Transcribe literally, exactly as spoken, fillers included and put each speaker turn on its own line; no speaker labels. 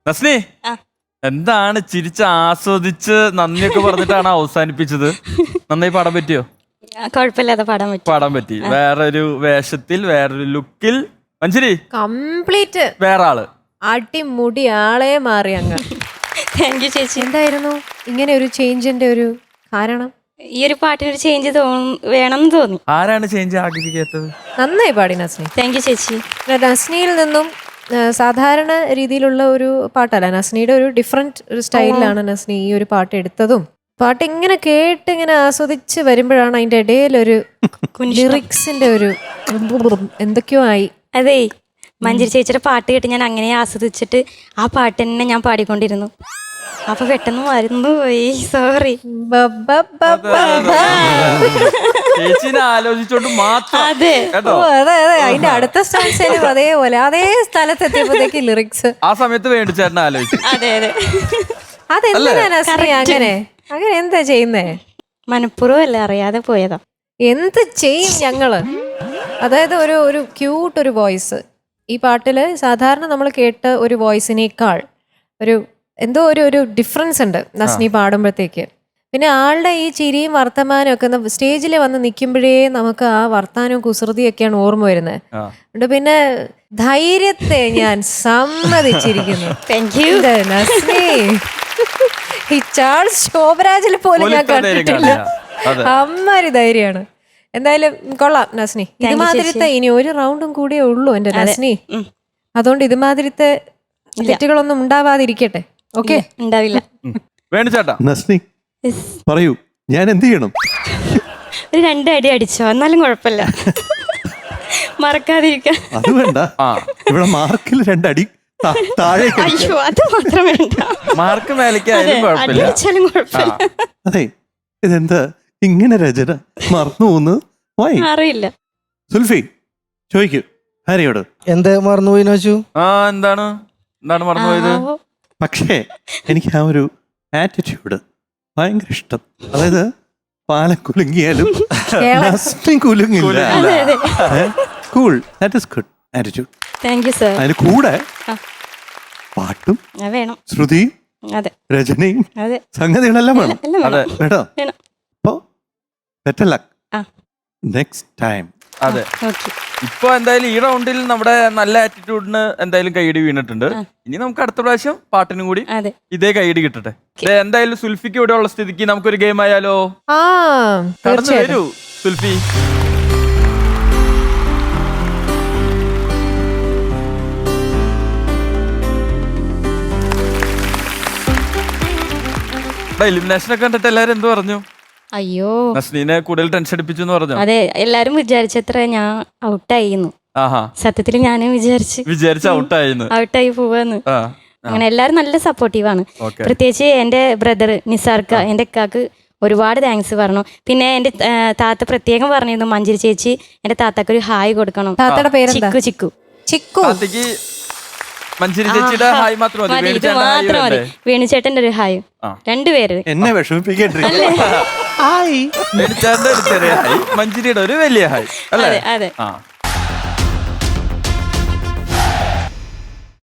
നസ്നി എന്താണ് ചിരിച്ച് ആസ്വദിച്ച് നന്ദിയൊക്കെ പറഞ്ഞിട്ടാണ് അവസാനിപ്പിച്ചത്? നന്നായി പാടാൻ പറ്റിയോ?
കുഴപ്പമില്ലാതെ പാടാൻ പറ്റി
പാടാൻ പറ്റി. വേറൊരു വേഷത്തിൽ വേറൊരു ലുക്കിൽ മഞ്ജരി
കംപ്ലീറ്റ്
വേറെ ആള്
അടിമുടി ആളെ മാറി അങ്ങ്.
താങ്ക് യു ചേച്ചി.
എന്തായിരുന്നു ഇങ്ങനെ ഒരു ചേഞ്ചിന്റെ ഒരു കാരണം?
ഈ ഒരു പാട്ടിനൊരു ചേഞ്ച് വേണമെന്ന് തോന്നി.
ആരാണ് ചേഞ്ച് ആഗ്രഹിക്കാത്തത്?
നന്നായി പാടി നസ്നി.
താങ്ക് യു ചേച്ചി.
നസ്നിയിൽ നിന്നും സാധാരണ രീതിയിലുള്ള ഒരു പാട്ടല്ല, നസ്നിയുടെ ഒരു ഡിഫറെന്റ് ഒരു സ്റ്റൈലിലാണ് നസ്നി ഈ ഒരു പാട്ട് എടുത്തതും. പാട്ട് ഇങ്ങനെ കേട്ട് ഇങ്ങനെ ആസ്വദിച്ച് വരുമ്പോഴാണ് അതിന്റെ ഇടയിൽ ഒരു ലിറിക്സിന്റെ ഒരു എന്തൊക്കെയോ ആയി.
അതെ, മഞ്ജരി ചേച്ചിയുടെ പാട്ട് കേട്ട് ഞാൻ അങ്ങനെ ആസ്വദിച്ചിട്ട് ആ പാട്ട് തന്നെ ഞാൻ പാടിക്കൊണ്ടിരുന്നു. അപ്പൊ പെട്ടെന്ന് മറന്നു പോയി, സോറി.
ചേച്ചിനെ ആലോചിച്ചോണ്ട് മാത്രം.
അതെ
അതെ അതെ, അതിന്റെ അടുത്ത സ്റ്റാൻസിലും അതേപോലെ അതേ സ്ഥലത്ത് എത്തിയപ്പോഴത്തേക്ക് ലിറിക്സ്
ആ സമയത്ത് വേണ്ടി ചേട്ടനെ ആലോചിച്ചു.
അതെ അതെ.
അതെന്താ നസ്രി അങ്ങനെ അങ്ങനെ എന്താ ചെയ്യുന്നേ?
മനഃപൂർവ്വം അല്ല, അറിയാതെ പോയതാ.
എന്ത് ചെയ്യും ഞങ്ങള്? അതായത് ഒരു ഒരു ക്യൂട്ട് ഒരു വോയിസ് ഈ പാട്ടില് സാധാരണ നമ്മൾ കേട്ട ഒരു വോയിസിനേക്കാൾ ഒരു എന്തോ ഒരു ഒരു ഡിഫറൻസ് ഉണ്ട് നസ്നി പാടുമ്പോഴത്തേക്ക്. പിന്നെ ആളുടെ ഈ ചിരിയും വർത്തമാനവും ഒക്കെ സ്റ്റേജിൽ വന്ന് നിൽക്കുമ്പോഴേ നമുക്ക് ആ വർത്താനവും കുസൃതിയൊക്കെയാണ് ഓർമ്മ വരുന്നത്. അതുകൊണ്ട് പിന്നെ ധൈര്യത്തെ ഞാൻ സമ്മതിച്ചിരിക്കുന്നു.
Thank you
Nasni. ഈ ചാൾസ് ശോഭരാജിൽ പോലും ഞാൻ കണ്ടിട്ടില്ല. അമ്മാരി ധൈര്യമാണ്. എന്തായാലും കൊള്ളാം നസ്നി. ഇതുമാതിരിത്തെ ഇനി ഒരു റൗണ്ടും കൂടിയേ ഉള്ളൂ എന്റെ നസ്നി. അതുകൊണ്ട് ഇതുമാതിരിത്തെ തെറ്റുകളൊന്നും ഉണ്ടാവാതിരിക്കട്ടെ. ഓക്കെ,
ഉണ്ടാവില്ല.
വേണു ചേട്ടാ.
നസ്നി പറയൂ, ഞാൻ എന്ത് ചെയ്യണം?
ഒരു രണ്ട് അടി അടിച്ചോ, എന്നാലും കുഴപ്പമില്ല, മറക്കാതിരിക്കാം.
അത് വേണ്ട, ഇവിടെ മാർക്കിൽ രണ്ടടി താഴേക്ക്.
അയ്യോ, അത് മാത്രം വേണ്ട.
മാർക്ക് മേലേക്കായാലും കുഴപ്പമില്ല.
അടിച്ചാലും കുഴപ്പമില്ല.
അതെ, ഇതെന്താ ഇങ്ങനെ രചന മറന്നു പോകുന്നത്?
അറിയില്ല.
സുൽഫി ചോദിക്കൂ ഹരിയോട്.
എന്ത് മറന്നുപോയിന്ന് വെച്ചു?
ആ എന്താണ് എന്താണ് മറന്നുപോയത്?
പക്ഷേ എനിക്ക് ആ ഒരു ആറ്റിറ്റ്യൂഡ് ഭയങ്കര ഇഷ്ടം. അതായത് പാലം കുലുങ്ങിയാലും നസ്നി കുലുങ്ങില്ല. Cool, that is good attitude.
Thank you sir.
അതിന് കൂടെ പാട്ടും
വേണം,
ശ്രുതിയും
അതെ
രചനയും
അതെ
സംഗതികളെല്ലാം വേണം.
അതെ
കേട്ടോ?
വേണം.
അപ്പോ ബെറ്റർ ലക്ക്
ആ.
Next time.
അതെ,
ഓക്കെ.
ഇപ്പൊ എന്തായാലും ഈ റൗണ്ടിൽ നമ്മുടെ നല്ല ആറ്റിറ്റ്യൂഡിന് എന്തായാലും കൈയടി വീണിട്ടുണ്ട്. ഇനി നമുക്ക് അടുത്ത പ്രാവശ്യം പാട്ടിനും കൂടി
അതെ
ഇതേ കൈയടി കിട്ടട്ടെ. ദേ, എന്തായാലും സുൽഫിക്ക് ഇവിടെ ഉള്ള സ്ഥിതിക്ക് നമുക്കൊരു ഗെയിം ആയാലോ?
ആ
കടന്നു വരൂ സുൽഫി. എലിമിനേഷൻ ഒക്കെ കണ്ടിട്ട് എല്ലാരും എന്ത് പറഞ്ഞു?
അയ്യോ,
നസ്നീനെ കൂടുതൽ ടെൻഷൻ അടിപ്പിച്ചു എന്ന് പറഞ്ഞു.
അതെ, എല്ലാരും വിചാരിച്ചത്ര ഞാൻ ഔട്ടായിരുന്നു.
ആഹാ,
സത്യത്തിൽ ഞാനും വിചാരിച്ച്
വിചാരിച്ച ഔട്ടായിരുന്നു.
ഔട്ടായി പോവാന്ന്. അങ്ങനെ എല്ലാരും നല്ല സപ്പോർട്ടീവാണ്. പ്രത്യേകിച്ച് എന്റെ ബ്രദർ നിസാർക്ക, എന്റെ അക്കാക്ക് ഒരുപാട് താങ്ക്സ് പറഞ്ഞു. പിന്നെ എന്റെ താത്ത പ്രത്യേകം പറഞ്ഞിരുന്നു, മഞ്ജരി ചേച്ചി എന്റെ താത്താക്ക് ഒരു ഹായ് കൊടുക്കണം.
താത്തയുടെ പേര്
ചിക്കു. ചിക്കു
ചിക്കു.
മഞ്ജരി ചേച്ചിയുടെ ഹായ് മാത്രം മതി.
ഇത് മാത്രം മതി. വേണുചേട്ടന്റെ ഒരു ഹായ്, രണ്ടുപേര്.
എന്നെ വിഷമിപ്പിക്കട്ടെ.
വേണുചേട്ടന്റെ ഒരു ചെറിയ ഹായ്, മഞ്ജരിയുടെ ഒരു വലിയ ഹായ് അല്ലേ?
അതെ.
ആ